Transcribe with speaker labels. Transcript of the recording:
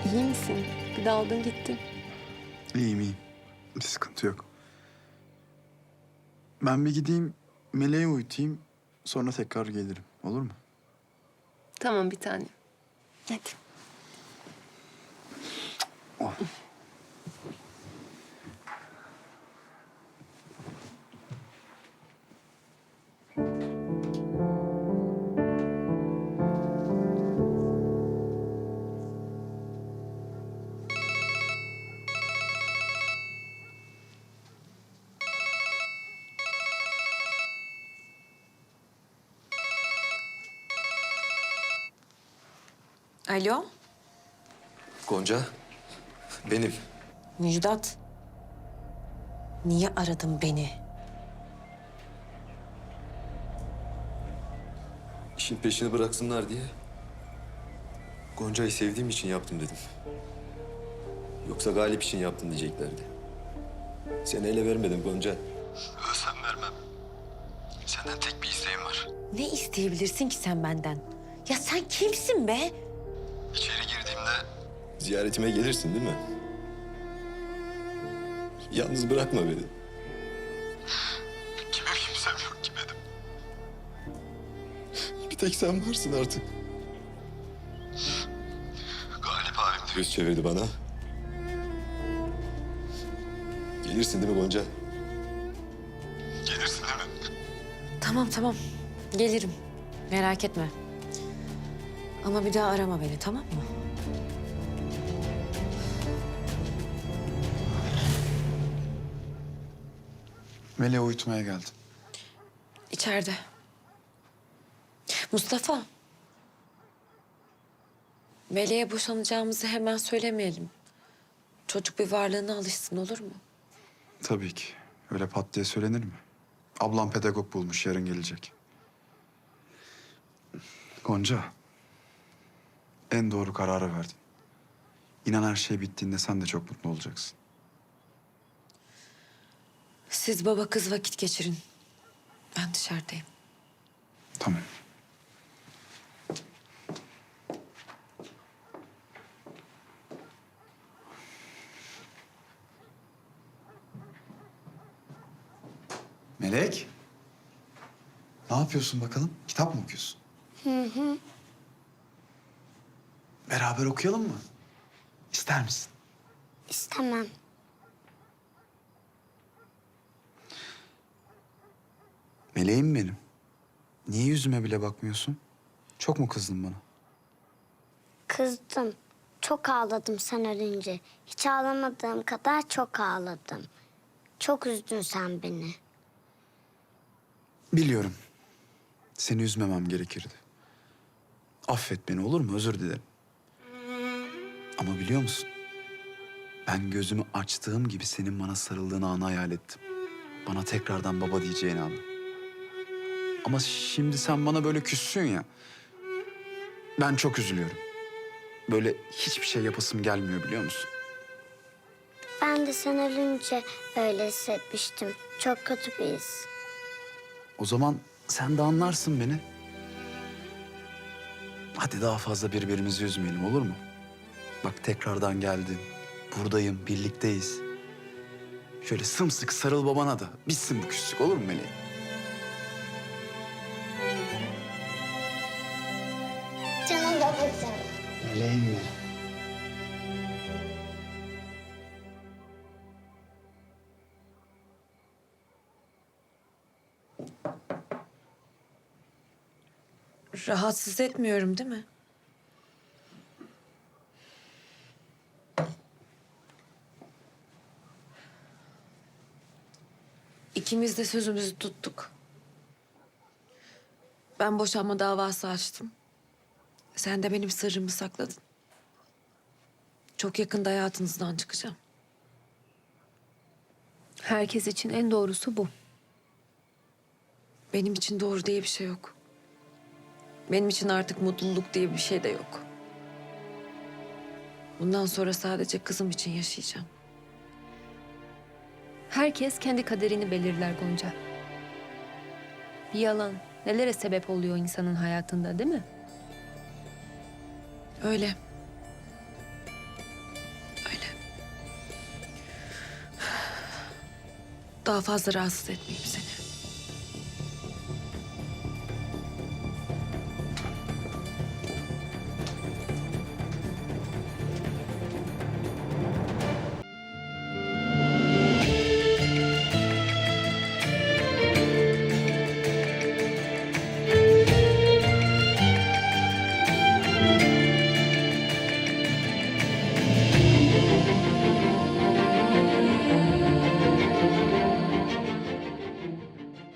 Speaker 1: İyi misin? Bir daldın gittin.
Speaker 2: İyiyim iyiyim. Bir sıkıntı yok. Ben bir gideyim Meleği uyutayım. Sonra tekrar gelirim. Olur mu?
Speaker 1: Tamam bir tane. Hadi.
Speaker 2: Oh.
Speaker 3: Alo,
Speaker 4: Gonca, benim.
Speaker 3: Müjdat. Niye aradın beni?
Speaker 4: İşin peşini bıraksınlar diye. Gonca'yı sevdiğim için yaptım dedim. Yoksa Galip için yaptın diyeceklerdi. Seni ele vermedim Gonca. Ölsem vermem. Senden tek bir isteğim var.
Speaker 3: Ne isteyebilirsin ki sen benden? Ya sen kimsin be?
Speaker 4: İçeri girdiğimde ziyaretime gelirsin değil mi? Yalnız bırakma beni. Kime kimsem yok ki benim. Bir tek sen varsın artık. Galip abim de yüz çevirdi bana. Gelirsin değil mi Gonca? Gelirsin değil mi?
Speaker 3: Tamam. Gelirim. Merak etme. Ama bir daha arama beni, tamam mı?
Speaker 2: Meleği uyutmaya geldim.
Speaker 3: İçeride. Mustafa. Meleğe boşanacağımızı hemen söylemeyelim. Çocuk bir varlığına alışsın, olur mu?
Speaker 2: Tabii ki. Öyle pat diye söylenir mi? Ablam pedagog bulmuş, yarın gelecek. Gonca, en doğru kararı verdin. İnan her şey bittiğinde sen de çok mutlu olacaksın.
Speaker 3: Siz baba kız vakit geçirin. Ben dışarıdayım.
Speaker 2: Tamam. Melek. Ne yapıyorsun bakalım? Kitap mı okuyorsun? Hı. Beraber okuyalım mı? İster misin?
Speaker 5: İstemem.
Speaker 2: Meleğim benim. Niye yüzüme bile bakmıyorsun? Çok mu kızdın bana?
Speaker 5: Kızdım. Çok ağladım sen ölünce. Hiç ağlamadığım kadar çok ağladım. Çok üzdün sen beni.
Speaker 2: Biliyorum. Seni üzmemem gerekirdi. Affet beni, olur mu? Özür dilerim. Ama biliyor musun? Ben gözümü açtığım gibi senin bana sarıldığın anı hayal ettim. Bana tekrardan baba diyeceğin anı. Ama şimdi sen bana böyle küssün ya. Ben çok üzülüyorum. Böyle hiçbir şey yapasım gelmiyor, biliyor musun?
Speaker 5: Ben de sen ölünce öyle hissetmiştim. Çok kötü bir his.
Speaker 2: O zaman sen de anlarsın beni. Hadi daha fazla birbirimizi üzmeyelim, olur mu? Bak tekrardan geldim. Buradayım, birlikteyiz. Şöyle sımsıkı sarıl babana da. Bitsin bu küslük, olur mu Meleğim?
Speaker 5: Canım babacığım.
Speaker 2: Meleğim mi?
Speaker 3: Rahatsız etmiyorum değil mi? İkimiz de sözümüzü tuttuk. Ben boşanma davası açtım. Sen de benim sırrımı sakladın. Çok yakında hayatınızdan çıkacağım.
Speaker 1: Herkes için en doğrusu bu.
Speaker 3: Benim için doğru diye bir şey yok. Benim için artık mutluluk diye bir şey de yok. Bundan sonra sadece kızım için yaşayacağım.
Speaker 1: Herkes kendi kaderini belirler Gonca. Bir yalan nelere sebep oluyor insanın hayatında, değil mi?
Speaker 3: Öyle. Daha fazla rahatsız etmeyeyim seni.